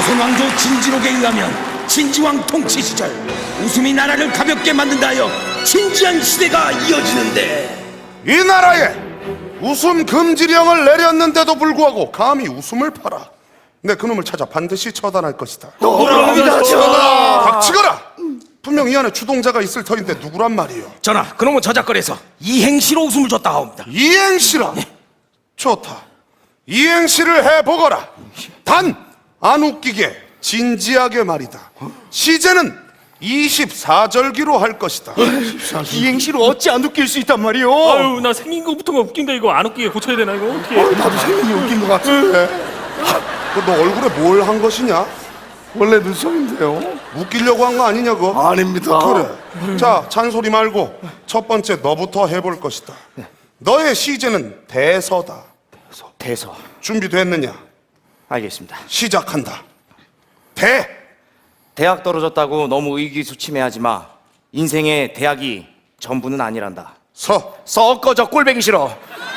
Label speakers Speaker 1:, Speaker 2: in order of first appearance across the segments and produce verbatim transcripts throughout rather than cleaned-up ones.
Speaker 1: 조선왕조 진지록에 의하면 진지왕 통치 시절 웃음이 나라를 가볍게 만든다 하여 진지한 시대가 이어지는데,
Speaker 2: 이 나라에 웃음 금지령을 내렸는데도 불구하고 감히 웃음을 팔아. 내 그놈을 찾아 반드시 처단할 것이다.
Speaker 1: 누구랍니다,
Speaker 2: 전하. 닥치거라. 분명 이 안에 주동자가 있을 터인데 누구란 말이요?
Speaker 1: 전하, 그놈은 저작거리에서 이행시로 웃음을 줬다 하옵니다.
Speaker 2: 이행시라. 좋다. 이행시를 해보거라. 단 안 웃기게 진지하게 말이다. 시제는 이십사 절기로 할 것이다.
Speaker 3: 이행시로 어찌 안 웃길 수 있단 말이오?
Speaker 4: 아유, 나 생긴 거부터가 웃긴데 이거 안 웃기게 고쳐야 되나 이거 어떻게?
Speaker 3: 나도 생긴이 웃긴 것 같은데.
Speaker 2: 너 얼굴에 뭘 한 것이냐?
Speaker 3: 원래 눈썹인데요.
Speaker 2: 웃기려고 한 거 아니냐고?
Speaker 3: 아닙니다.
Speaker 2: 그래. 자, 잔소리 말고 첫 번째 너부터 해볼 것이다. 너의 시제는 대서다.
Speaker 3: 대서.
Speaker 2: 준비됐느냐?
Speaker 3: 알겠습니다.
Speaker 2: 시작한다. 대.
Speaker 3: 대학 떨어졌다고 너무 의기소침해하지 마. 인생의 대학이 전부는 아니란다.
Speaker 2: 서.
Speaker 3: 썩어져 꼴배기 싫어.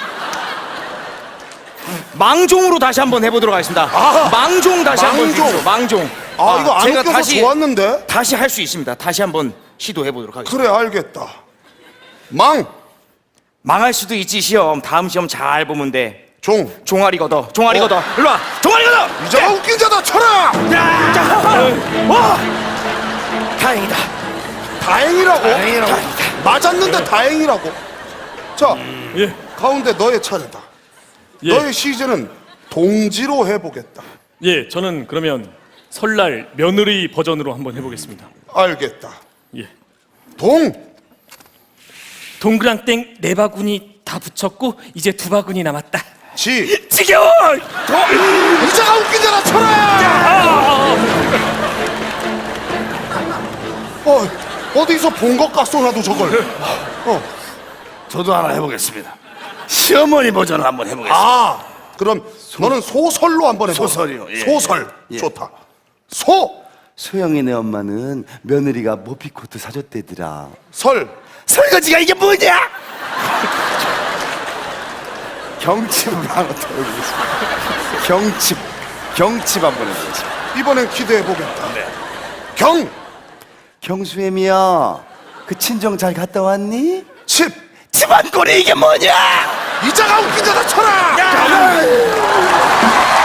Speaker 3: 망종으로 다시 한번 해보도록 하겠습니다.
Speaker 2: 아,
Speaker 3: 망종 다시 한번
Speaker 2: 망종.
Speaker 3: 주십시오. 망종.
Speaker 2: 아, 이거 안
Speaker 3: 제가
Speaker 2: 웃겨서
Speaker 3: 다시
Speaker 2: 좋았는데?
Speaker 3: 다시 할 수 있습니다. 다시 한번 시도해보도록 하겠습니다.
Speaker 2: 그래, 알겠다. 망.
Speaker 3: 망할 수도 있지 시험. 다음 시험 잘 보면 돼.
Speaker 2: 종.
Speaker 3: 종아리 걷어. 종아리
Speaker 2: 어?
Speaker 3: 걷어. 일로 와. 종아리 걷어.
Speaker 2: 이자가 웃긴 자다 쳐라.
Speaker 3: 와. 다행이다.
Speaker 2: 다행이라고?
Speaker 3: 다행이라고.
Speaker 2: 맞았는데 다행이라고. 자,
Speaker 4: 예,
Speaker 2: 가운데 너의 차례다.
Speaker 4: 예,
Speaker 2: 너의 시제는 동지로 해보겠다.
Speaker 4: 예. 저는 그러면 설날 며느리 버전으로 한번 해보겠습니다.
Speaker 2: 알겠다.
Speaker 4: 예.
Speaker 2: 동.
Speaker 4: 동그랑땡 네 바구니 다 붙였고 이제 두 바구니 남았다.
Speaker 2: 지.
Speaker 4: 지겨워.
Speaker 2: 이자가 웃긴 자다 쳐라. 어, 어디서 본 것 같소 나도 저걸. 어.
Speaker 5: 저도 하나 해보겠습니다. 시어머니 버전을 한번 해보겠습니다.
Speaker 2: 아, 그럼 너는 소설로 한번 해봐.
Speaker 5: 소설이요, 예.
Speaker 2: 소설.
Speaker 5: 예.
Speaker 2: 좋다. 소.
Speaker 5: 소영이네 엄마는 며느리가 모피코트 사줬대더라.
Speaker 2: 설.
Speaker 5: 설거지가 이게 뭐냐? 경칩을 하나 더 해보겠습니다. 경칩, 경칩 한번 해보겠습니다.
Speaker 2: 이번엔 기대해 보겠다. 경.
Speaker 5: 경수애미야, 그 친정 잘 갔다 왔니?
Speaker 2: 칩.
Speaker 5: 집안꼴이 이게 뭐냐?
Speaker 2: 이자가 웃긴 자다 쳐라.